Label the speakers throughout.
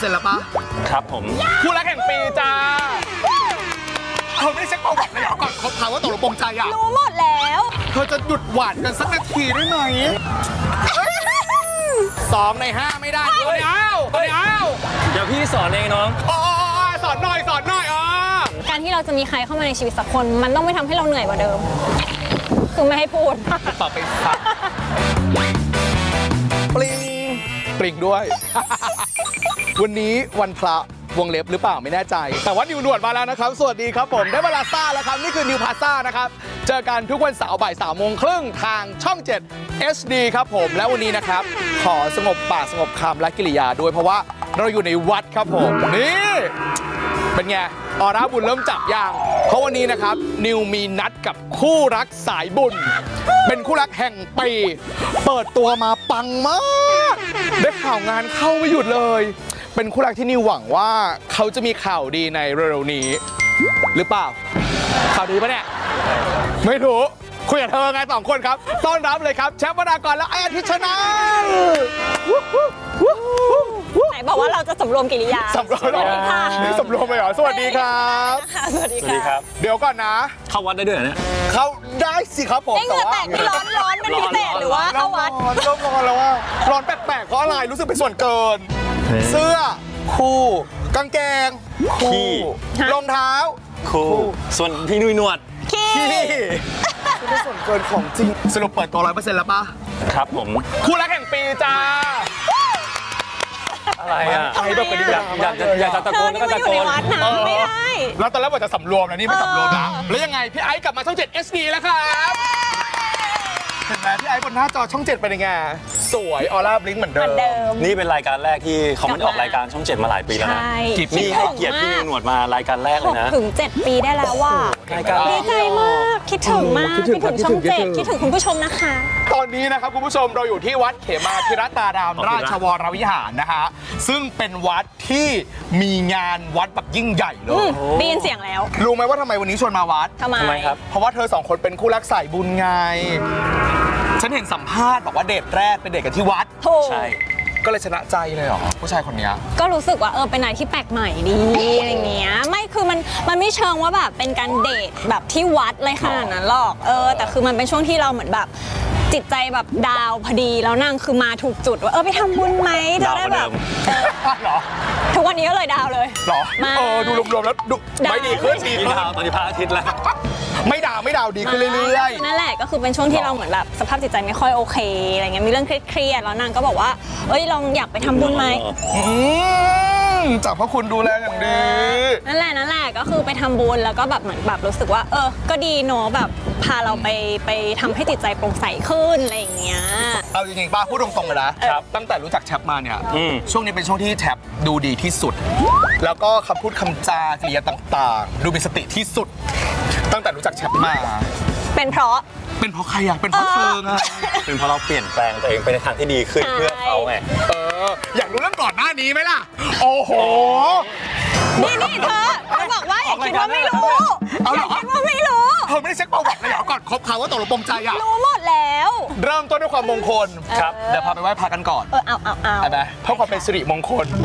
Speaker 1: 100%แล้วปะ
Speaker 2: ครับผม
Speaker 1: คู่รักแห่งปีจ้าเธอไม่ได้เช็คประวัติเลยเหรอก่อนคบเขาว่าตกลงปรงใจอ่ะ
Speaker 3: รู้หมดแล้ว
Speaker 1: เธอจะหยุดหวานกันสักนาทีได้ไหม2 ใน 5ไม่ได้เลยเอา
Speaker 2: เดี๋ยวพี่สอนเองน้อง
Speaker 1: สอนหน่อย
Speaker 3: การที่เราจะมีใครเข้ามาในชีวิตสักคนมันต้องไม่ทำให้เราเหนื่อยกว่าเดิมคือไม่ให้พูด
Speaker 1: ต่อไปค่ะปริงด้วย วันนี้วันพระวงเล็บหรือเปล่าไม่แน่ใจแต่ว่านิวหนวดมาแล้วนะครับสวัสดีครับผมได้เวลาซ่าแล้วครับนี่คือนิวพาซ่านะครับเจอกันทุกวันเสาร์บ่าย 3:30 ทางช่อง 7 HD ครับผมและวันนี้นะครับขอสงบปากสงบคำและกิริยาด้วยเพราะว่าเราอยู่ในวัดครับผมนี่เป็นไงออร่าบุญเริ่มจับอย่างเพราะวันนี้นะครับนิวมีนัดกับคู่รักสายบุญเป็นคู่รักแห่งปีเปิดตัวมาปังมากได้ข่าวงานเข้าไม่หยุดเลยเป็นคู่รักที่นิวหวังว่าเขาจะมีข่าวดีในเร็วๆนี้หรือเปล่าข่าวดีปะเนี่ยไม่รู้คุยกับเธอไง2 คนครับต้อนรับเลยครับแชมป์วรากรและไอ้อาทิตย์ชนะ
Speaker 3: ไหนบอกว่าเราจะสำรวมกิริยา
Speaker 1: สำรวมนี่สำรวมเลยเหรอสวัสดีครับ
Speaker 3: สวัสดีครับ
Speaker 1: เดี๋ยวก่อนนะ
Speaker 2: เข้าวัดได้ด้วยเนี่ย
Speaker 1: เข้าได้สิครับผม
Speaker 3: เหงื่อแตกที่ร้อนเป็นพิเศษหรือว่าเข้าวัด
Speaker 1: ร้อนแล้วว่าร้อนแปลกๆเพราะอะไรรู้สึกเป็นส่วนเกินเสื้อคู่กางเกงคู่รองเท้า
Speaker 2: คู่ส่วนพี่นุ้ยหนวด
Speaker 3: ขี้
Speaker 1: เป็นส่วนเกินของจริงสรุปเปิดตัว 100% แล้วปะ
Speaker 2: ครับผม
Speaker 1: คู่รักแห่งปีจ้า
Speaker 2: อะไรอ่ะ
Speaker 1: ไอ้แบบกระดิ่ง
Speaker 2: อยากจะตะโกนก็ตะโกน
Speaker 3: ไม่ได้
Speaker 1: แล้วตอนแรกว่าจะสำรวมนะนี่ไม่สำรวมนะแล้วยังไงพี่ไอ้กลับมาช่อง 7 HD แล้วครับเห็นไหมพี่ไอ้บนหน้าจอช่อง 7เป็นยังไงสวยออร่าบลิงก์เหมือนเดิม
Speaker 2: นี่เป็นรายการแรกที่เขาไม่ได้ออกรายการช่อง 7มาหลายปีแล้วนะนี่ให้เกียรติพี่นิวหนวดมารายการแรกเลยนะ
Speaker 3: ถึง7 ปีได้แล้วว่าดีใจมากคิดถึงมากคิดถึงช่อง 7คิดถึงคุณผู้ชมนะคะ
Speaker 1: ตอนนี้นะครับคุณผู้ชมเราอยู่ที่วัดเขมาธิรตารามราชวรวิหารนะคะซึ่งเป็นวัดที่มีงานวัดแบบยิ่งใหญ่เลย
Speaker 3: ได้ยินเสียงแล้ว
Speaker 1: รู้ไหมว่าทำไมวันนี้ชวนมาวัด
Speaker 3: ทำไม
Speaker 2: ครับ
Speaker 1: เพราะว่าเธอ2 คนเป็นคู่รักสายบุญไงฉันเห็นสัมภาษณ์บอกว่าเดทแรกเป็นเดทกันที่วัด
Speaker 2: ใช่
Speaker 1: ก็เลยชนะใจเลยเหรอผู้ชายคนนี้
Speaker 3: ก็รู้สึกว่าเป็นอะไรที่แปลกใหม่ดีอะไรเงี้ยไม่คือมันไม่เชิงว่าแบบเป็นการเดทแบบที่วัดเลยขนาดนั้นหรอกแต่คือมันเป็นช่วงที่เราเหมือนแบบจิตใจแบบดาวพอดีแล้วนางคือมาถูกจุดว่าไปทำบุญไหมจะได้แบบ
Speaker 1: หรอ
Speaker 3: ทุกวันนี้ก็เลยดาวเลย
Speaker 1: หรอดูรวมๆแล้วดูไม่ดีขึ้น
Speaker 2: ดาวตอนนี้พระอาทิตย์แล้ว
Speaker 1: ไม่ดาวดีขึ้นเรื่อย
Speaker 3: ๆนั่นแหละก็คือเป็นช่วงที่เราเหมือนแบบสภาพจิตใจไม่ค่อยโอเคอะไรเงี้ยมีเรื่องเครียดๆแล้วนางก็บอกว่าลองอยากไปทำบุญไหม
Speaker 1: จากพระคุณดูแลอย่างดี
Speaker 3: นั่นแหละก็คือไปทำบุญแล้วก็แบบเหมือนแบบรู้สึกว่าก็ดีเนาะแบบพาเราไปทำให้จิตใจโปร่งใสขึ้นอะไรอย่างเงี้ย
Speaker 1: เอาจริงๆป้าพูดตรงๆเลยนะตั้งแต่รู้จักแชปมาเนี่ยช่วงนี้เป็นช่วงที่แชปดูดีที่สุดแล้วก็คำพูดคำจากริยาต่างๆดูมีสติที่สุดตั้งแต่รู้จักแชปมา
Speaker 3: เป็นเพราะ
Speaker 1: ใครอะเป็นเพราะเธอไง
Speaker 2: เป็นเพราะเราเปลี่ยนแปลงตัวเองไปในทางที่ดีขึ้นเพื่อเขาไง
Speaker 1: อยากรู้เรื่องก่อนหน้านี้ไหมล่ะโอ้โห
Speaker 3: นี่เธอบอกว่าอย่าคิดว่าไม่รู้อย่าคิดว่าไม่รู้
Speaker 1: เธอไม่ได้เช็คประวัติเลยเหรอก่อนคบเขาว่าตกลงปรงใจอะ
Speaker 3: รู้หมดแล้ว
Speaker 1: เริ่มต้นด้วยความมงคลครับเดี๋ยวพาไปไหว้พระกันก่อน
Speaker 3: เอา
Speaker 1: ไปไหมเพื่อความเป็นสิริมงคล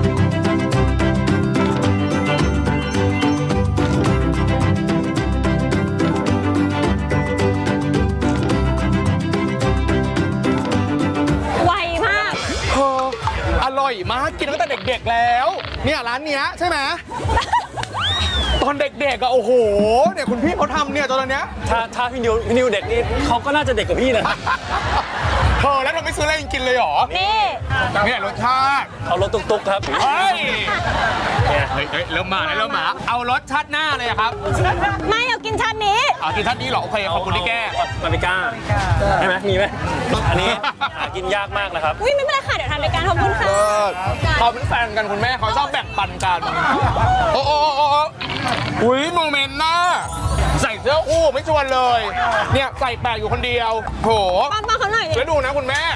Speaker 1: อร่อยมากกินตั้งแต่เด็กๆแล้วเนี่ยร้านเนี้ยใช่ไหมตอนเด็กๆอะโอ้โหเนี่ยคุณพี่เขาทำเนี่ยตอนเนี้ย
Speaker 2: ถ้าพี่นิวเด็กนี่เขาก็น่าจะเด็กกว่าพี่นะ
Speaker 1: แล้วเราไม่ซื้ออะไรกินเลยหรอนี่รสชาติ
Speaker 2: เอารถตุ๊กครับ
Speaker 1: เฮ้ยเริ่มมาเอารสชาติหน้าเลยครับ
Speaker 3: ไม่เอากินชาตินี้
Speaker 1: กินชาตินี้หรอโอเคขอบคุณที่แก้
Speaker 2: มาไม่กล้าใช่ไหมมีไหมอันนี้หากินยากมากนะครับ
Speaker 3: ไม่เป็นไรค่ะเดี๋ยวทำรายการขอบคุณค่ะ
Speaker 1: เขาเป็นแฟนกันคุณแม่เขาชอบแบ่งปันกันโอ้โมเมนต์น่าใส่เสื้อคู่ไม่ชวนเลยเนี่ยใส่แปลกอยู่คนเดียวโห
Speaker 3: ป้าเขาหน่อย
Speaker 1: แล้วดูนะคุณแม่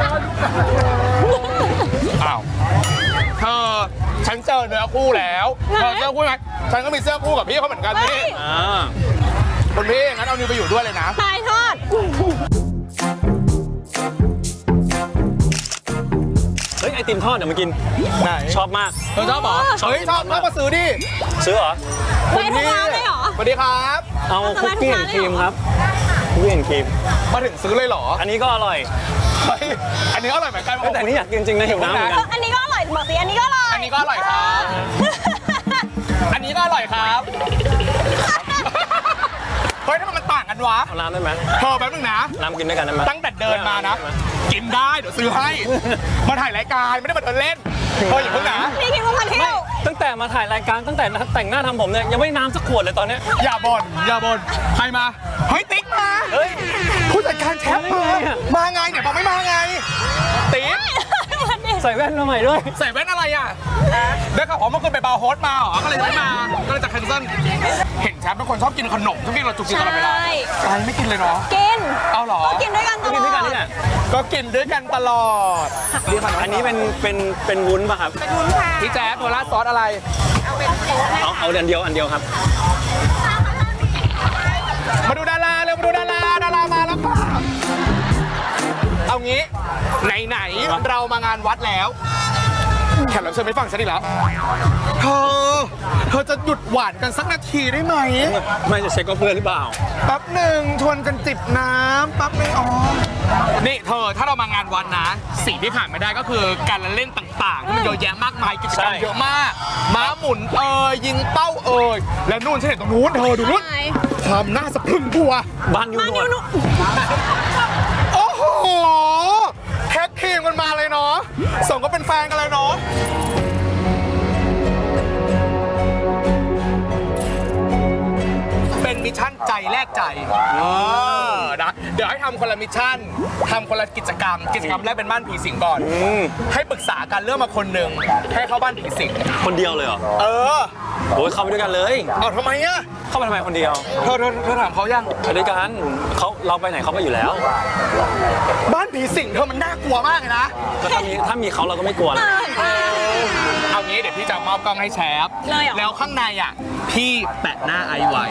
Speaker 1: อ้าวฉันเจอเนื้อคู่แล้วเธอเสื้อคู่ไหมฉันก็มีเสื้อคู่กับพี่เขาเหมือนกันนี่คุณพี่งั้นเอานิวไปอยู่ด้วยเลยนะ
Speaker 3: ตายทอด
Speaker 2: ฮ้ยไอติมทอดเดี๋ยวมากิน
Speaker 1: ไหน
Speaker 2: ชอบมาก
Speaker 1: เธอชอบเหรอเฮ้ยชอบมาซื้อดิ
Speaker 2: ซื้อเหรอ
Speaker 3: ไปทุกร้านเลยเหรอ
Speaker 1: สวัสดีครับ
Speaker 2: เอาคุกกี้แอนด์ครีมครับคุกกี้แอนด์ครีม
Speaker 1: มาถึงซื้อเลยเหรอ
Speaker 2: อันนี้ก็อร่อย
Speaker 1: เฮ้ยอันนี้อร่อยเหมือนกัน
Speaker 2: แต่อันนี้อยากกินจริงนะหิวน้ำเหมือนกัน
Speaker 3: อันนี้ก็อร่อยบอกสิอันนี้ก็อร่อย
Speaker 1: อันนี้ก็อร่อยครับ อันนี้ก็อร่อยครับ เฮ้ยทำไมมันต่างกันวะ
Speaker 2: เอาน้ำได้ไหม
Speaker 1: เธอแป๊บนึงนะ
Speaker 2: น้ำกินด้วยกันได้ไหม
Speaker 1: ตั้งแต่เดินมานะ กินได้เดี๋ยวซื้อให้ มาถ่ายรายการไม่ได้มาเดินเล่นเธออย่าเพิ่งนะ
Speaker 3: พี่คิดว่ามันเที่ยว
Speaker 2: ตั้งแต่มาถ่ายรายการตั้งแต่แต่งหน้าทำผมเนี่ยยังไม่น้ำสักขวดเลยตอนเนี้ย
Speaker 1: อย่าบ่นอย่าบ่นใครมา เฮ้ยติ๊กมา
Speaker 2: เฮ้ย
Speaker 1: ผู้จัดการแชมป์มา
Speaker 2: มาได้ไงอะ
Speaker 1: มาไงเนี่ยบอกไม่มาไง ติ๊ก
Speaker 2: ใส่แว่นมาใหม่ด้วย
Speaker 1: ใส่แว่นอะไรอ่ะได้ข่าวว่าเมื่อคืนไปบาร์โฮสมาเหรอ ก็เลยไม่มา ก็เลยจะแคนเซิลเห็นแชมป์เป็นคนชอบกินขนมชอบกินเราจุกจิกตลอดเวลา
Speaker 3: ใช่
Speaker 1: ไปไม่กินเลยเนาะ
Speaker 3: กิน
Speaker 1: เอาเหรอ
Speaker 3: ก็กินด้วยกันตลอด
Speaker 2: กินด้วยกันนี่แหละ
Speaker 1: ก็กินด้วยกันตลอด
Speaker 2: อันนี้เป็นวุ้นป่ะครับ
Speaker 1: พี่แจ๊ดโทราดซอสอะไร
Speaker 2: เอาอันเดียวครับ
Speaker 1: มาดูดาราเร็วมาดูดารามาแล้วค่ะเอางี้ไหนๆเรามางานวัดแล้วแขกรับเชิญไม่ฟังฉันอีกแล้วเธอจะหยุดหวานกันสักนาทีได้ไหม
Speaker 2: ไม่จะเช็คก็เพื่อนหรือเปล่า
Speaker 1: แป๊บหนึ่งชวนกันจิบน้ำแป๊บหนึงอ๋อนี่เธอถ้าเรามางานวัดนะสิ่งที่ขาดไม่ได้ก็คือการละเล่นต่างๆที่มันเยอะแยะมากมายกิจกรรม
Speaker 2: ใช่
Speaker 1: เยอะมากม้าหมุนยิงเป้าและนู่นฉันเห็นตรงนู้นเธอดูนู่น
Speaker 3: ใช่
Speaker 1: ความน่าสะพรึงกลัว
Speaker 2: บ้านยูหนวด
Speaker 1: โอ้โหแท็กทีมกันมาเลยเนาะส่งก็เป็นแฟนกันเลยเนาะเป็นมิชชั่นใจแลกใจนะเดี๋ยวให้ทำคนละมิชชั่นทำคนละกิจกรรมแรกเป็นบ้านผีสิงก่อนให้ปรึกษากันเรื่องมาคนหนึ่งให้เข้าบ้านผีสิง
Speaker 2: คนเดียวเลยเหรอ โอ้ยเข้าไปด้วยกันเลย
Speaker 1: เอาทำไมอะ
Speaker 2: เข้าไปทำไมคนเดียว
Speaker 1: เธอถามเขายัง
Speaker 2: ไปด้วยกันเราไปไหนเขาไปอยู่แล้ว
Speaker 1: บ้านผีสิงเธอมันน่ากลัวมากเลยนะ
Speaker 2: ก็ถ้ามีเขาเราก็ไม่กลัวนะ
Speaker 1: เอางี้เดี๋ยวพี่จะมอบกล้องให้แชฟ
Speaker 3: เลยเหรอ
Speaker 1: แล้วข้างในอ่ะพี่แปะหน้าไอไว้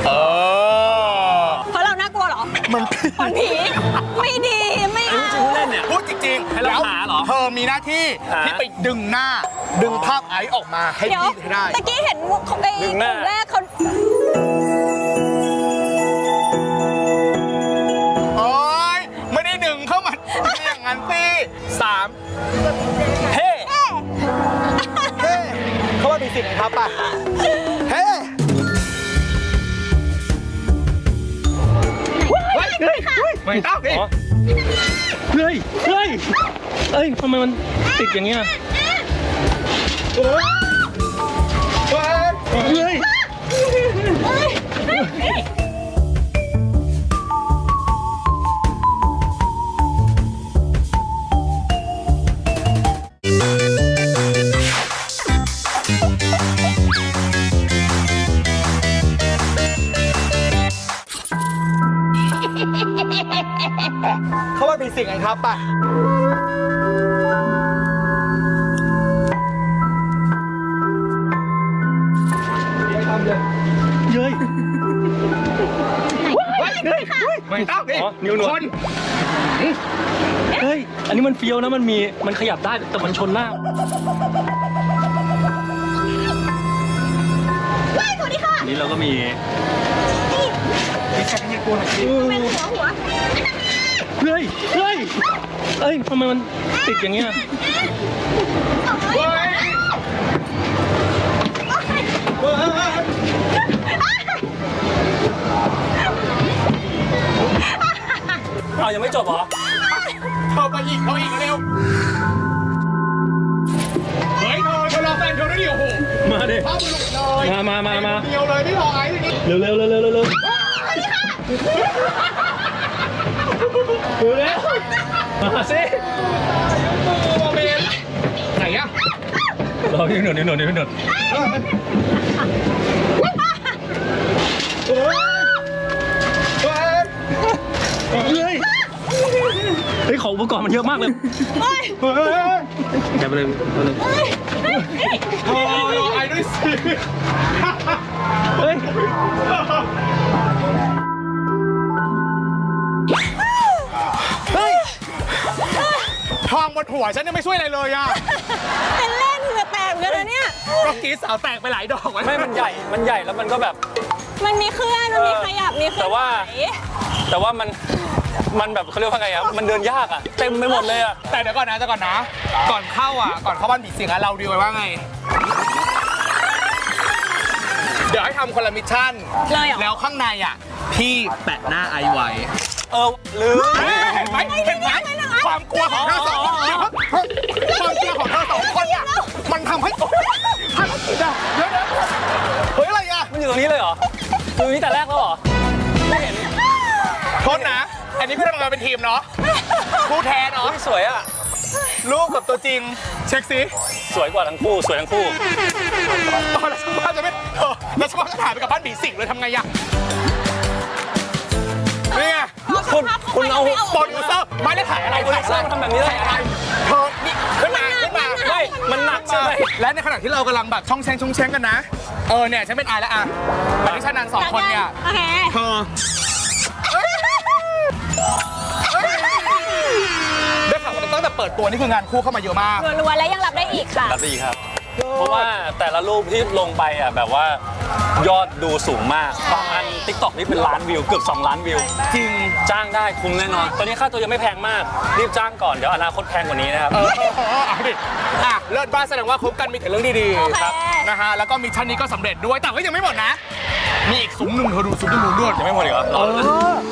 Speaker 3: เพราะเราน่ากลัวเหรอ
Speaker 1: มัน
Speaker 3: คนผี ไม่ดีไม่
Speaker 2: อัน
Speaker 3: เอา
Speaker 2: นี้จริงๆเล่นเนี่ย
Speaker 1: พูดจริงๆ
Speaker 2: ให้เรา
Speaker 1: แล้ว
Speaker 2: หาเหรอ
Speaker 1: เธอมีหน้าที่
Speaker 2: หา
Speaker 1: ที่ไปดึงหน้า ดึงภาพไอซ์ออกมาให้
Speaker 3: เดี๋ยว
Speaker 1: พี่ให้ได้
Speaker 3: ตะกี้เห็นเขาไอ้
Speaker 2: ดึ
Speaker 3: ก
Speaker 2: งหน้า
Speaker 3: ลุ่มแรกเขา
Speaker 1: โอ๊ยไม่ได้ดึงเข้ามาอย่างนั้นสิ3เฮ้เฮ้เขาว่ามีสิ่งครับป่ะเฮ้ไม่ต้องดิ
Speaker 2: อ๋อเฮ้ยทำไมมันติดอย่างเงี้ย เฮ้ย
Speaker 1: เขาว่ามีสิ่งครับป่ะ
Speaker 2: เย้ย
Speaker 1: ไม่ต้องดิ
Speaker 2: อ๋อนิ้วหนวด
Speaker 1: คน
Speaker 2: เฮ้ย อันนี้มันเฟี้ยวนะ มันขยับได้ แต่มันชนหน้า
Speaker 3: สวัสดีค่ะ
Speaker 2: อันนี้เราก็มี
Speaker 1: มีแค่ที่กลัวหน่อยสิ
Speaker 3: เป็นหัว
Speaker 2: เฮ้ย ทำไมมันติดอย่างเงี้ย
Speaker 1: เฮ้ย
Speaker 2: เอายังไม่จบเหรอ
Speaker 1: เข้าไปอีกเข้าอีกเร็วเฮ้ยเธอรอแฟนเธอด้วยดิโอ้โห
Speaker 2: มาดิ
Speaker 1: ภาพมันหลุดเลย
Speaker 2: มา
Speaker 1: เดียวเลยไม่รอไอ้ทีนี้
Speaker 2: เร็ว เร็ว มาสิ
Speaker 1: ตัวเบนไหนอะ
Speaker 2: รอนิ้วหนวด
Speaker 1: เฮ้ย
Speaker 2: เฮ้ยของอุปกรณ์มันเยอะมากเลย
Speaker 1: เฮ้ย
Speaker 2: แกไปเลย
Speaker 1: รอไอ้ด้วยสิ
Speaker 2: เฮ้ย
Speaker 1: เฮ้ยทองบนหัวฉันยังไม่ช่วยอะไรเลยอ่ะ
Speaker 3: เป็นเล่นเหงื่อแตกเหมือนกันนะเนี่ย
Speaker 1: ก็กรีดสาวแตกไปหลายดอก
Speaker 2: ไม่มันใหญ่แล้วมันก็แบบ
Speaker 3: มันมีเคลื่อนมันมีขยับมีเคลื่อน
Speaker 2: แต่ว่า
Speaker 3: ไหว
Speaker 2: แต่ว่ามันแบบเขาเรียกว่าไงอะมันเดินยากอะเต็มไปหมดเลยอะ
Speaker 1: แต่เดี๋ยวก่อนนะก่อนเข้าบ้านผีสิงเราดีไว้ว่าไง เดี๋ยวให้ทำคนละมิชชั่น
Speaker 3: เลยเหรอ
Speaker 1: แล้วข้างในพี่แปะหน้าไอไว้
Speaker 2: ลืม
Speaker 1: เห็นไหมความกลัวของเธอสองคนความกลัวของเธอสองคนเนี่ยมันทำให้ภารกิจเดี๋ยวเฮ้ยอะไรอ่ะ
Speaker 2: มันอยู่ตรงนี้เลยเหรออยู่ตรงนี้แต่แรกแล้วเหรอไม่เห็น
Speaker 1: โทษนะ อันนี้พี่ทำงานเป็นทีมเนาะคู่แท้เนาะ
Speaker 2: ไม่สวยอะ
Speaker 1: รูปกับตัวจริง เช็คสิ
Speaker 2: สวยกว่าทั้งคู่สวยทั้งคู่
Speaker 1: แล้วช่างภาพจะไม่แล้วช่างภาพจะถ่ายไปกับบ้านผีสิงเลยทำไงอะนี่ไง
Speaker 2: คุณเอา
Speaker 1: โปรดิวเซอร์ไม่ได้ถ่ายอะไร
Speaker 2: โปรดิวเซอร์มาทำแบบนี้ได้ยังไง
Speaker 1: เธอนี่ขึ้นมา
Speaker 2: ไม่มันหนักใช่ไหม
Speaker 1: และในขณะที่เรากำลังแบบช่องแชงกันนะเนี่ยฉันเป็นอายแล้วแบบที่ฉันนันสองคนเนี่ย
Speaker 3: โอเค
Speaker 1: เธอได้ข่าวว่าตั้งแต่เปิดตัวนี่คืองานคู่เข้ามาเยอะมาก
Speaker 3: รัวๆแล้วยังรับได้อีกค่ะ
Speaker 2: รับดีครับ เพราะว่าแต่ละรูปที่ลงไปอ่ะแบบว่ายอดดูสูงมากบางอัน TikTok นี่เป็นล้านวิวเกือบ2 ล้านวิว
Speaker 1: จริง
Speaker 2: จ้างได้คุ้มแน่นอน ตอนนี้ค่าตัวยังไม่แพงมาก รีบจ้างก่อน เดี๋ยวอนาคตแพงกว่านี้นะครับ
Speaker 1: เอาดิเลิศบ้านแสดงว่าคบกันมีแต่เรื่องดี
Speaker 3: โอเค
Speaker 1: ๆครับนะฮะแล้วก็มิชชั่นนี้ก็สำเร็จด้วยแต่ก็ยังไม่หมดนะ มีอีกซุ้มหนึ่งเธอดูซุ้มหนึ่งด้วย
Speaker 2: ยังไม่หมดอีกเหรอรอเลย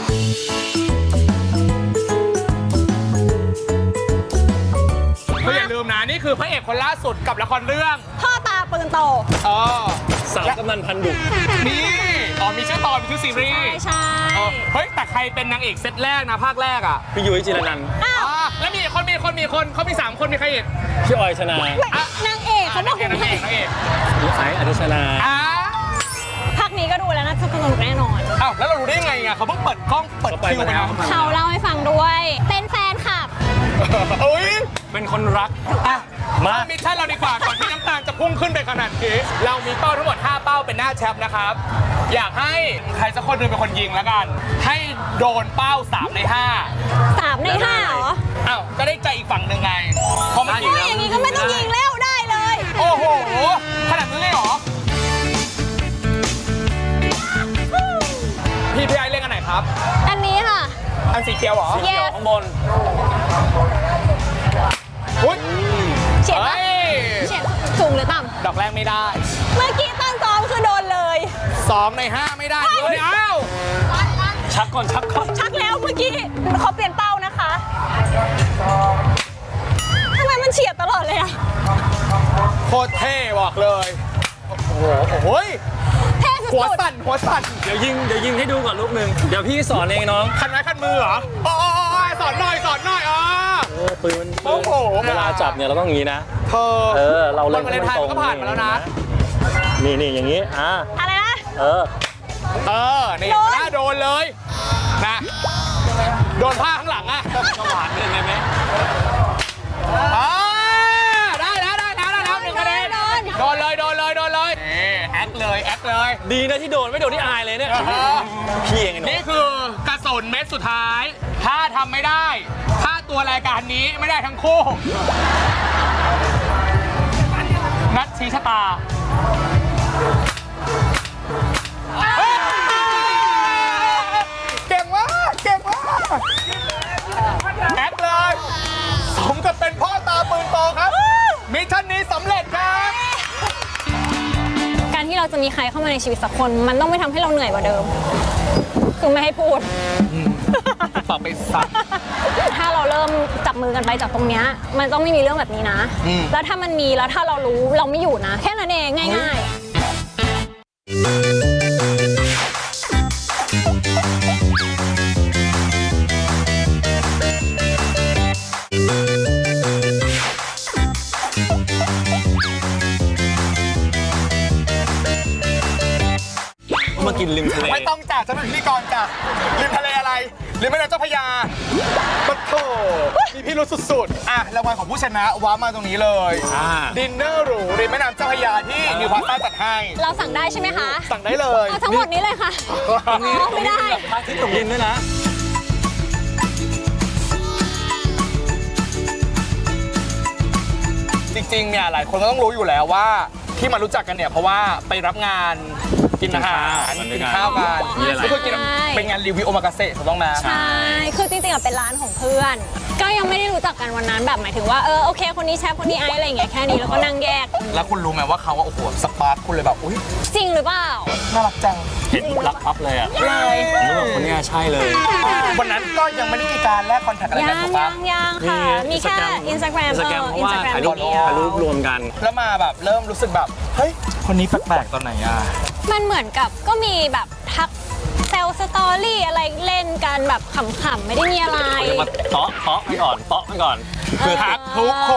Speaker 1: ก็อย่าลืมนะนี่คือพระเอกคนล่าสุดกับละครเรื่อง
Speaker 3: พ่อตาปืนโต
Speaker 2: สาวกำนันพันดุ
Speaker 1: นี่มีชื่อตอนมีชื่อซีรีส์
Speaker 3: ใช่
Speaker 1: เฮ้ยแต่ใครเป็นนางเอกเซตแรกนะภาคแรกอ่ะ
Speaker 2: พี่ยุ้ยจิรนันท์
Speaker 1: แล้วมีคนเขามี3 คนมีใครอีก
Speaker 2: พี่ออยชนา
Speaker 3: นางเอกเขาบอก
Speaker 1: นางเอก
Speaker 2: ไอ้อนุชนา
Speaker 3: ภาคนี้ก็ดูแล้วน่าจะสนุกแน่นอน
Speaker 1: อ้าวแล้วเรารู้ได้ยังไงอ่ะเขาเพิ่งเปิดกล้องเปิดคิวไปนะ
Speaker 3: เขาเล่าให้ฟังด้วย เป็นแฟนคลับ
Speaker 1: โอ้ย
Speaker 2: เป็นคนรัก
Speaker 1: มามิชชั่นเราดีกว่าก่อนที่น้ำตาลจะพุ่งขึ้นไปขนาดนี้เรามีเป้าทั้งหมด5 เป้าเป็นหน้าแชมป์นะครับอยากให้ใครสักคนหนึงเป็นคนยิงแล้วกัน ให้โดนเป้า3 ใน 5
Speaker 3: 3 ใน 5เหรอ
Speaker 1: อ้าวก็ได้ใจอีกฝั่งหนึ่งไงพอมันยิง
Speaker 3: อย่างนี้ก็ไม่ต้องยิงแล้วได้เลย
Speaker 1: โอ้โหขนาดนั้นเลยเหรอพี่ไอเล่นอันไหนครับ
Speaker 3: อันนี้ค่ะ
Speaker 1: อันสีเขียวเหรอ
Speaker 2: เกี่ยวข้างบน
Speaker 1: อุ้ย
Speaker 3: เฉียด
Speaker 1: เฮ้
Speaker 3: ปะ
Speaker 1: ย
Speaker 3: เฉียดสูงหรือต่
Speaker 1: ดอกแรกไม่ได้
Speaker 3: ำเมื่อกี้ตอนซ้อมคือโดนเลย
Speaker 1: 2 ใน 5 ไม่ได้เลยอ้าว
Speaker 2: ชักก่อน
Speaker 3: ชักแล้วเมื่อกี้เขาเปลี่ยนเป้านะคะทำไมมันเฉียดตลอดเลยอะ
Speaker 1: โคตรเท่บอกเลยโอ้โห
Speaker 3: เท่สุ
Speaker 1: หัว
Speaker 3: ด
Speaker 1: สั่น
Speaker 2: เดี๋ยวยิงให้ดูก่อนลูกหนึ่งเดี๋ยวพี่สอนเองน้อง
Speaker 1: คันไม้คันมือเหรอโอ้สอนหน่อย
Speaker 2: ปืน
Speaker 1: โอ้โห
Speaker 2: เวลาจับเนี่ยเราต้องอย่างนี้นะ
Speaker 1: เธอ
Speaker 2: เราเล่น
Speaker 1: วันวาเลนไทน์มันก็ผ่านมาแล้วนะ
Speaker 2: นี่อย่างนี้
Speaker 3: อะไรนะ
Speaker 1: นี่หน้าโดนเลยนะโดนผ้าข้างหลังอ่ะ
Speaker 2: ก็หวานเลยไหม
Speaker 1: ได้แล้ว1 คะแนนโดนเลยแอคเลย
Speaker 2: ดีนะที่โดนไม่โดนที่อายเลยเนี่ยพี่เองไอ้หนู
Speaker 1: นี่คือกระสุนเม็ดสุดท้าย ถ้าทำไม่ได้ถ้าตัวรายการนี้ไม่ได้ทั้งคู่ นัดชี้ชะตาเก่งมากแอคเลยสมกับเป็นพ่อตาปืนโตครับมิชชั่นนี้สำเร็จครับ
Speaker 3: การที่เราจะมีใครเข้ามาในชีวิตสักคน มันต้องไม่ทำให้เราเหนื่อยกว่าเดิม คือไม่ให้พูด
Speaker 1: ปากไปซัก
Speaker 3: ถ้าเราเริ่มจับมือกันไปจากตรงเนี้ยมันต้องไม่มีเรื่องแบบนี้นะ แล้วถ้ามันมีแล้วถ้าเรารู้เราไม่อยู่นะ แค่นั้นเองง่าย
Speaker 2: มากินริมทะเล
Speaker 1: ไม่ต้องจ่าฉันเป็นพิธีกรจ้ะริมทะเลอะไรริมแม่น้ำเจ้าพระยาปะโถมีพี่รู้สุดๆรางวัลของผู้ชนะว้ามาตรงนี้เลยดินเนอร์หรูริมแม่น้ำเจ้าพระยาที่นิวพาสต้าจัดให้
Speaker 3: เราสั่งได้ใช่ไหมคะ
Speaker 1: สั่งได้เลย
Speaker 3: เอาทั้งหมดนี้เลยค่ะไม่ได้
Speaker 2: พระอาทิตย์ตกดินด้วยนะ
Speaker 1: จริงๆเนี่ยหลายคนก็ต้องรู้อยู่แล้วว่าที่มารู้จักกันเนี่ยเพราะว่าไปรับงานกินอาหารกินข้าวกัน
Speaker 2: มีอะไร
Speaker 1: ก็คือกินเป็นงานรีวิวโอมากาเสะถูกต้องไหม
Speaker 3: ใช่ คือจริงๆอะเป็นร้านของเพื่อน ก็ยังไม่ได้รู้จักกันวันนั้นแบบหมายถึงว่าโอเคคนนี้แชฟคนนี้ไอซ์อะไรอย่างเงี้ยแค่นี้แล้วก็นั่งแยก
Speaker 1: แล้วคุณรู้ไหมว่าเขาว่าโอ้โหสปาร์คคุณเลยแบบอุ้ย
Speaker 3: จริงหรือเปล่า
Speaker 1: น่ารักจัง
Speaker 2: เห็นรักปั๊บเลยอ่ะ
Speaker 3: เลย
Speaker 2: ผมรู้ว่าคนเนี้ยใช่เลย
Speaker 1: วันนั้นก็ยังไม่ได้มีการแลกคอนแทคอะไร
Speaker 3: ยั
Speaker 1: กัน
Speaker 3: ง
Speaker 1: ถูกปะ
Speaker 3: ยังค่ะ มีแค่ Instagram
Speaker 2: เพราะว่าถ่ายรูป
Speaker 3: เดียว
Speaker 2: ถ่ายรูปรวมกัน
Speaker 1: แล้วมาแบบเริ่มรู้สึกแบบเฮ้ยคนนี้แปลกๆตอนไหนอ่ะ
Speaker 3: มันเหมือนกับก็มีแบบทักแซลสตอรี่อะไรเล่นกันแบบขำๆไม่ได้มีอะไร
Speaker 2: เรียกว่าเตาะไปก่อนเตาะไปก่อน
Speaker 1: คือทักทุกคน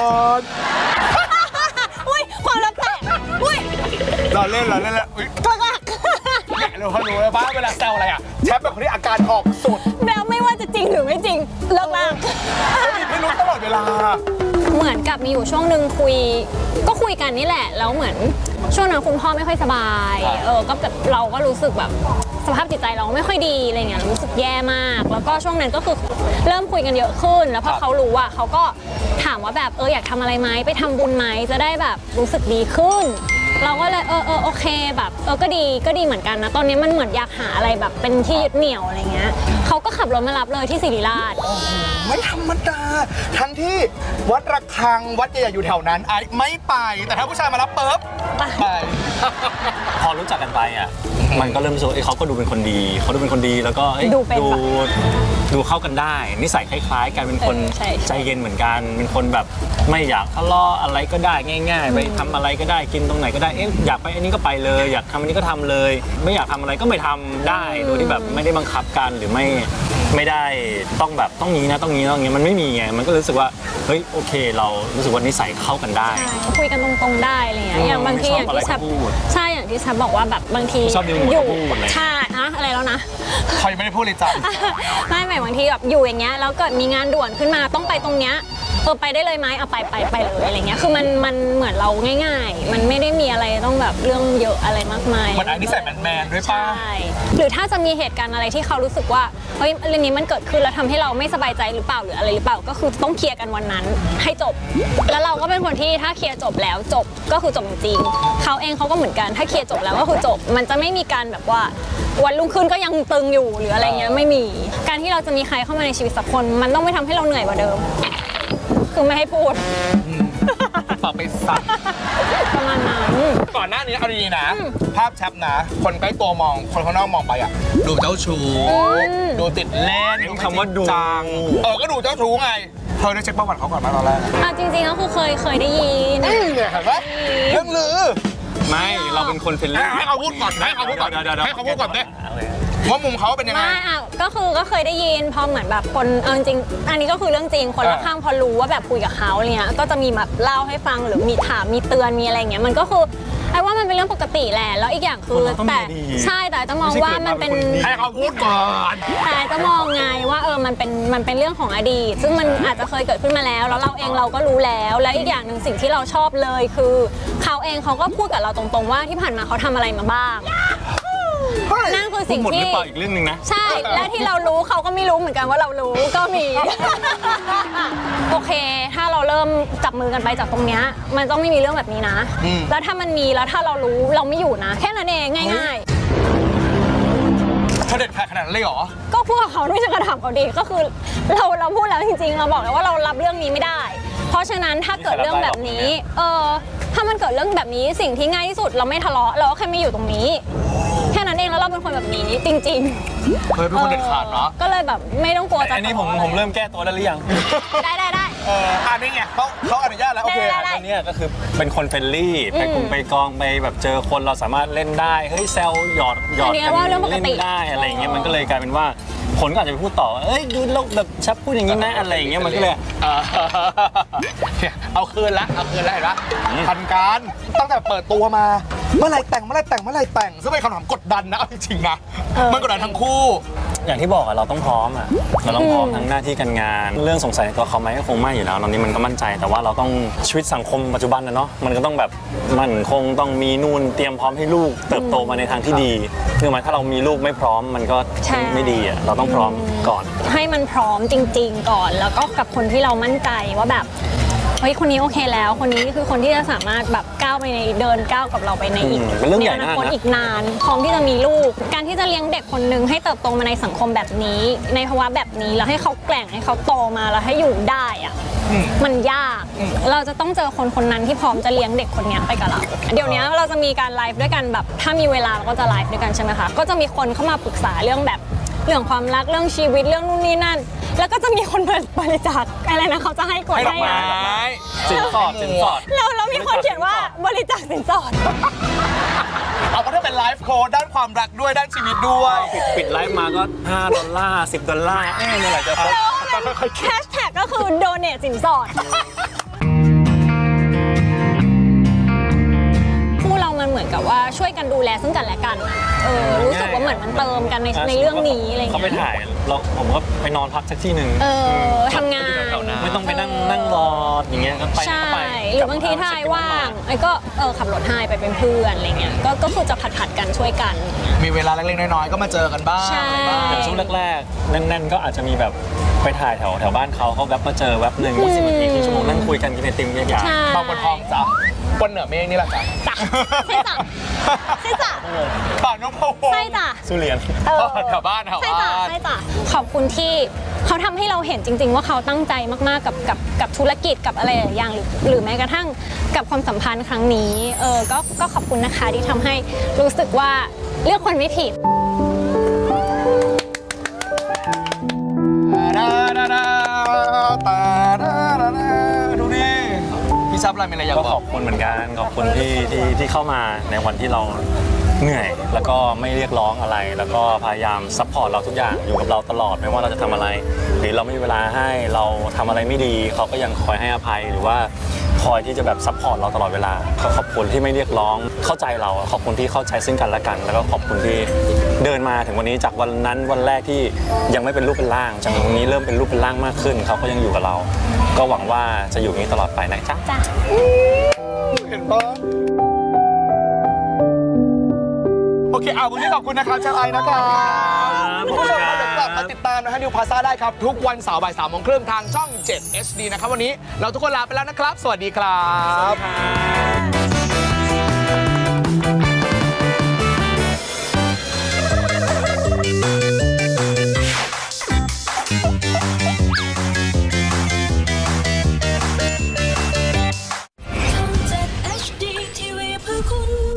Speaker 3: อุ้ยความลับแตกอุ้ย
Speaker 1: เราเล่นแล้วอุ้ย
Speaker 3: ตัวหลัก
Speaker 1: เนี่ยเราเขารู้แล้วว่าเวลาแซวอะไรอ่ะแชทแบบคนที่อาการออกสุด
Speaker 3: แล้วไม่ว่าจะจริงหรือไม่จริงเลิกลาก
Speaker 1: ไม่รู้ตลอดเวลา
Speaker 3: เหมือนกับมีอยู่ช่วงหนึ่งก็คุยกันนี่แหละแล้วเหมือนช่วงนั้นคุณพ่อไม่ค่อยสบายก็แบบเราก็รู้สึกแบบสภาพจิตใจเราไม่ค่อยดีอะไรเงี้ยรู้สึกแย่มาก แล้วก็ช่วงนั้นก็คือเริ่มคุยกันเยอะขึ้น แล้วพอเขารู้ว่าเขาก็ถามว่าแบบอยากทำอะไรไหมไปทำบุญไหมจะได้แบบรู้สึกดีขึ้น เราก็เลยโอเคแบบก็ดีเหมือนกันนะตอนนี้มันเหมือนอยากหาอะไรแบบเป็นที่ยึดเหนี่ยวอะไรเงี้ยเขาก็ขับรถมารับเลยที่ศิริราช
Speaker 1: ไม่ธรรมดาทั้งที่วัดระฆังวัดใหญ่ๆอยู่แถวนั้นไอ้ไม่ไป แต่ถ้าผู้ชายมารับปุ๊บไป
Speaker 2: พอรู้จักกันไปอ่ะ มันก็เริ่มรู้สึกว่าเขาก็ดูเป็นคนดี เขาดูเป็นคนดีแล้วก็ดูเข้ากันได้ นิสัยคล้ายๆกันเป็นคนใจเย็นเหมือนกัน เป็นคนแบบไม่อยากทะเลาะอะไรก็ได้ง่าย ๆ ไปทำอะไรก็ได้กินตรงไหนก็ได้อยากไปอันนี้ก็ไปเลย อยากทำอันนี้ก็ทำเลย ไม่อยากทำอะไรก็ไม่ทำได้โดยที่แบบไม่ได้บังคับกันหรือไม่ได้ต้องแบบต้องนี้นะต้องนี้ต้องนี้มันไม่มีไงมันก็รู้สึกว่าเฮ้ยโอเคเรารู้สึกว่านิสัยเข้ากันได้
Speaker 3: คุยกันตรงๆได้อะไรเงี้ยอย่างบางทีอย่างที่ชับใช่อย่างที่ชับบอกว่าแบบบางที
Speaker 2: ชอบอยู่
Speaker 3: ใช่อะไรแล้วนะ
Speaker 1: เขายังไม่ได้พูดเลยจ้ะ
Speaker 3: ไม่หมายบางทีแบบอยู่อย่างเงี้ยแล้วเกิดมีงานด่วนขึ้นมาต้องไปตรงเนี้ยไปได้เลยไหมเอาไปเลยอะไรเงี้ยคือมันเหมือนเราง่ายๆ มันไม่ได้มีอะไรต้องแบบเรื่องเยอะอะไรมากมาย
Speaker 1: มันอันนี้ใส่แมนๆด้วยป่ะ
Speaker 3: ใช่หรือถ้าจะมีเหตุการณ์อะไรที่เขารู้สึกว่าเฮ้ยเรื่องนี้มันเกิดขึ้นแล้วทำให้เราไม่สบายใจหรือเปล่าหรืออะไรหรือเปล่าก็คือต้องเคลียร์กันวันนั้นให้จบ แล้วเราก็เป็นคนที่ถ้าเคลียร์จบแล้วจบก็คือจบจริงๆเขาเองเขาก็เหมือนกันถ้าเคลียร์จบแล้วก็คือจบ มันจะไม่มีการแบบว่าวันรุ่งขึ้นก็ยังตึงอยู่หรืออะไรเงี้ยไม่มีการที่เราจะมีใครเข้ามาในชีวิตสักคนมันต้องไม่ทำให้เราเหนื่อยกว่าเดิมคือไม่ให้พูด
Speaker 1: ปากไปซัก
Speaker 3: ประมาณนั้น
Speaker 1: ก่อนหน้านี้เอาดีๆนะ ภาพแชปนะ คนใกล้ตัวมองคนข้างนอกมองไปอ่ะดูเจ้าชู้ดูติดเล่น
Speaker 2: คำว่าดู
Speaker 1: จังก็ดูเจ้าชู้ไงเธอได้เช็คประวัติเขาก่อนมาตอนแรก
Speaker 3: จริงๆก็คือเคยได้ยิน
Speaker 1: เนี่ยเห็นไหมเรื่องลือ
Speaker 2: ไม่เราเป็นคนเฟรนลี่
Speaker 1: ให้เขาพูดก่อนให้เขาพูดก่อนให้เขาพูดก่อนเด้ว่ามุมเขาเป็นยังไง
Speaker 3: ไม่ก็เคยได้ยินพอเหมือนแบบคนเอาจริงอันนี้ก็คือเรื่องจริงคนรอบข้างพอรู้ว่าแบบคุยกับเขาเนี่ยก็จะมีแบบเล่าให้ฟังหรือมีถามมีเตือนมีอะไรเงี้ยมันก็คือไอ้ว่ามันเป็นเรื่องปกติแหละแล้วอีกอย่างคือแต่ใช่แต่จะมองว่ามันเป็น
Speaker 1: ให้เขาพูดก่อน
Speaker 3: แต่จะมองไงว่ามันเป็นเรื่องของอดีตซึ่งมันอาจจะเคยเกิดขึ้นมาแล้วเราเองเราก็รู้แล้วและอีกอย่างหนึ่งสิ่งที่เราชอบเลยคือเขาเองเขาก็พูดกับเราตรงๆว่าที่ผ่านมาเขาทำอะไรมาบ้างนั่นคือสิ่ง
Speaker 2: หมดห
Speaker 3: ที่
Speaker 2: รือเปล่าอีกเรื่องหนึ่งนะ
Speaker 3: ใช่และที่เรารู้เขาก็ไม่รู้เหมือนกันว่าเรารู้ก็มี โอเค ถ้าเราเริ่มจับมือกันไปจากตรงเนี้ยมันต้องไม่มีเรื่องแบบนี้นะแล้วถ้ามันมีแล้วถ้าเรารู้เราไม่อยู่นะแค่นั้นเองง่าย
Speaker 1: เธอเด็ดขาดขนาดนั้นเลยเหรอ
Speaker 3: ๆก็พูดกับเขาด้วยจะกระทำเขาดีก็คือเราพูดแล้วจริงๆเราบอกแล้วว่าเรารับเรื่องนี้ไม่ได้ เพราะฉะนั้นถ้าเกิดเรื่องแบบนี้ถ้ามันเกิดเรื่องแบบนี้สิ่งที่ง่ายที่สุดเราไม่ทะเลาะเราก็แค่ไม่อยู่ตรงนี้แค่นั้นเองแล้วเราเป็นคนแบบนี้จริงๆ
Speaker 1: เฮ้ยเป็นคนเด็ดขาดเนาะ
Speaker 3: ก็เลยแบบไม่ต้องกลัวจะ
Speaker 2: อันนี้ผมเริ่มแก้ตัวได้หรือยัง
Speaker 3: ได้
Speaker 1: นี่ไงเขาอนุญาตแล้วโอเค
Speaker 3: ได้
Speaker 2: อันนี้ก็คือเป็นคนเฟรนลี่ไปกรุงไปกองไปแบบเจอคนเราสามารถเล่นได้เฮ้ยแซวหยอด
Speaker 3: อันนี้ว่าเรื่องปกติ
Speaker 2: เล่นได้อะไรอย่างเงี้ยมันก็เลยกลายเป็นว่าคนก็อาจจะไปพูดต่อว่าเอ้ยดูแล้วแบบชับพูดอย่างนี้นะอะไรอย่างเงี้ยมันก็เลย
Speaker 1: เอาคืนละเห็นปะทันการตั้งแต่เปิดตัวมาเมื่อไหร่แต่งซึ่งเป็นคำถามกดดันนะเอาจริงๆนะมันกดดันทั้งคู่
Speaker 2: อย่างที่บอกอะเราต้องพร้อมอะเราต้องพร้อมทั้งหน้าที่การงาน เรื่องสงสัยในตัวเขาไหมก็คงไม่อยู่แล้วตอนนี้มันก็มั่นใจแต่ว่าเราต้องชีวิตสังคมปัจจุบันนะเนาะมันก็ต้องแบบมันคงต้องมีนู่นเตรียมพร้อมให้ลูกเติบโตมาในทางที่ดีคือหมายถ้าเรามีลูกไม่พร้อมมันก็ไม่ดีอะเราต้องพร้อมก่อน
Speaker 3: ให้มันพร้อมจริงๆก่อนแล้วก็กับคนที่เรามั่นใจว่าแบบเฮ้ยคนนี้โอเคแล้ว คนนี้คือคนที่จะสามารถแบบก้าวไปในเดินก้าวกับเราไปในอีก
Speaker 2: เป็นเรื่องใหญ่
Speaker 3: ในอ
Speaker 2: มาก
Speaker 3: นาคต
Speaker 2: นะ
Speaker 3: อีกนานพร้อมที่จะมีลูก การที่จะเลี้ยงเด็กคนหนึ่งให้เติบโตมาในสังคมแบบนี้ ในภาวะแบบนี้แล้วให้เขาแกร่งให้เขาโตมาแล้วให้อยู่ได้อะมันยาก เราจะต้องเจอคนคนนั้นที่พร้อมจะเลี้ยงเด็กคนนี้ไปกับเรา เดี๋ยวนี้เราจะมีการไลฟ์ด้วยกันแบบถ้ามีเวลาเราก็จะไลฟ์ด้วยกันใช่ไหมคะก็จะมีคนเข้ามาปรึกษาเรื่องแบบเรื่องความรักเรื่องชีวิตเรื่องนู่นนี่นั่น แล้วก็จะมีคนบริจาคอะไรนะเขาจะให้กด
Speaker 1: ให้ดอกไม้
Speaker 2: สินสอดสินสอด
Speaker 3: แล้วมีคนเขียนว่าบริจาคสินสอด
Speaker 1: เอาก็ถ้าเป็นไลฟ์โค้ดด้านความรักด้วยด้านชีวิตด้วย
Speaker 2: ปิดไลฟ์มาก็$5 $10เมื่อไหร่จะครบ
Speaker 3: แฮชแท็กก็คือ donate สินสอดคู่เรามันเหมือนกับว่าช่วยกันดูแลซึ่งกันและกันอะรู้สึกว่าเหมือนมันเติมกันในเรื่องนี้อะไร
Speaker 2: เขาไป
Speaker 3: เงี้ย
Speaker 2: ถ่ายผมก็ไปนอนพักสักที่หนึ่ง
Speaker 3: ทำงาน
Speaker 2: ไม่ต้องไปนั่งรออย่างเงี้ยก็ไป
Speaker 3: ใช่
Speaker 2: ก็ไป
Speaker 3: หรือบางทีถ้าไอ้ว่างไอ้ก็ขับรถให้ไปเป็นเพื่อนอะไรเงี้ยก็คือจะผัดกันช่วยกัน
Speaker 1: มีเวลาเล็กๆน้อยๆก็มาเจอกันบ้าง
Speaker 3: ใช่
Speaker 1: อะไรบ้าง
Speaker 2: อย่างช่วงแรกๆแน่นๆก็อาจจะมีแบบไปถ่ายแถวบ้านเขาแวบมาเจอแวบหนึ่ง20 นาทีครึ่งชั่วโมงนั่งคุยกันกินไอติมเนี่ยอย่าง
Speaker 3: ใช่
Speaker 1: บางบนทองจ้ะบนเหนือเมฆนี่แหละจ้ะ
Speaker 3: จ้ะใช่จ้ะใช่จ้ะ
Speaker 1: ป่าน้องพะวง
Speaker 3: ใช่จ้ะ
Speaker 2: สุเรียน
Speaker 1: แถวบ้านแถว
Speaker 3: ใช่จ้ะ
Speaker 1: บ้าน
Speaker 3: ใช่จ้ะขอบคุณที่เขาทำให้เราเห็นจริง ๆ ว่าเขาตั้งใจมากๆกับธุรกิจกับอะไรหลายอย่างหรือแม้กระทั่งกับความสัมพันธ์ครั้งนี้ก็ขอบคุณนะคะที่ทำให้รู้สึกว่าเลือกคนไม่ผิด
Speaker 1: ดูดิพี่ซับอะไรมีอะไรอยาก
Speaker 2: ก็
Speaker 1: บ
Speaker 2: ข
Speaker 1: อ
Speaker 2: อก บคุณเหมือนกันขอบคุณที่เข้ามาในวันที่เราเหนื่อย แล้วก็ไม่เรียกร้องอะไร แล้วก็พยายามซัพพอร์ตเราทุกอย่างอยู่กับเราตลอดไม่ว่าเราจะทำอะไร หรือเราไม่มีเวลาให้เราทำอะไรไม่ดีเขาก็ยังคอยให้อภัยหรือว่าคอยที่จะแบบซัพพอร์ตเราตลอดเวลาก็ขอบคุณที่ไม่เรียกร้องเข้าใจเราขอบคุณที่เข้าใจซึ่งกันและกัน แล้วก็ขอบคุณที่เดินมาถึงวันนี้จากวันนั้นวันแรกที่ยังไม่เป็นรูปเป็นร่างจากวันนี้เริ่มเป็นรูปเป็นร่างมากขึ้นเขาก็ยังอยู่กับเรา ก็หวังว่าจะอยู่อย่างนี้ตลอดไปนะจ๊ะ
Speaker 3: จ้ะ
Speaker 1: เห็นปะโอเควันนี้ขอบคุณนะครับชาไอนะครับคุณผู้ชมครับเดี๋ยวกลับมาติดตามนะฮะนิวพาซ่าได้ครับ ทุกวันเสาร์บ่าย3:30ทางช่อง 7 HD นะครับวันนี้เราทุกคนลาไปแล้วนะครับ สวัสดีครับ
Speaker 4: 7 HD TV เพื่อคุณ